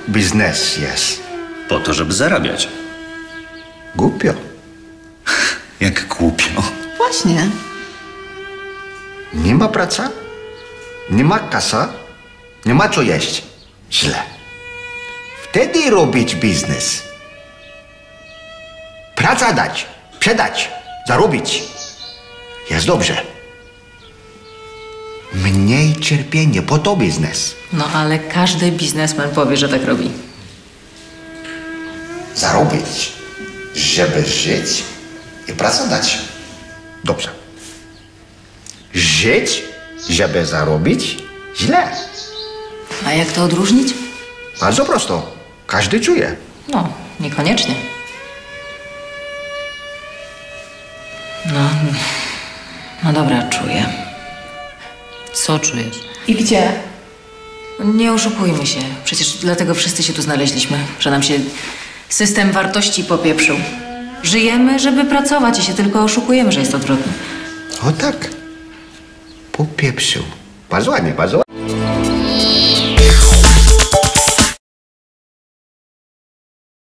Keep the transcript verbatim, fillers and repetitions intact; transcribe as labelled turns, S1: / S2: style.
S1: biznes jest?
S2: Po to, żeby zarabiać.
S1: Głupio.
S2: Jak głupio.
S3: Właśnie.
S1: Nie ma praca, nie ma kasa, nie ma co jeść. Źle. Wtedy robić biznes. Praca dać, sprzedać, zarobić. Jest dobrze. Mniej cierpienia, po to biznes.
S3: No ale każdy biznesmen powie, że tak robi.
S1: Zarobić, żeby żyć i pracować. Dobrze. Żyć, żeby zarobić? Źle.
S3: A jak to odróżnić?
S1: Bardzo prosto. Każdy czuje.
S3: No, niekoniecznie. No, no dobra, czuję.
S4: Co czujesz?
S3: I gdzie? Nie oszukujmy się. Przecież dlatego wszyscy się tu znaleźliśmy, że nam się system wartości popieprzył. Żyjemy, żeby pracować i się tylko oszukujemy, że jest odwrotnie.
S1: O tak. Popieprzył. Bardzo ładnie, bardzo ładnie.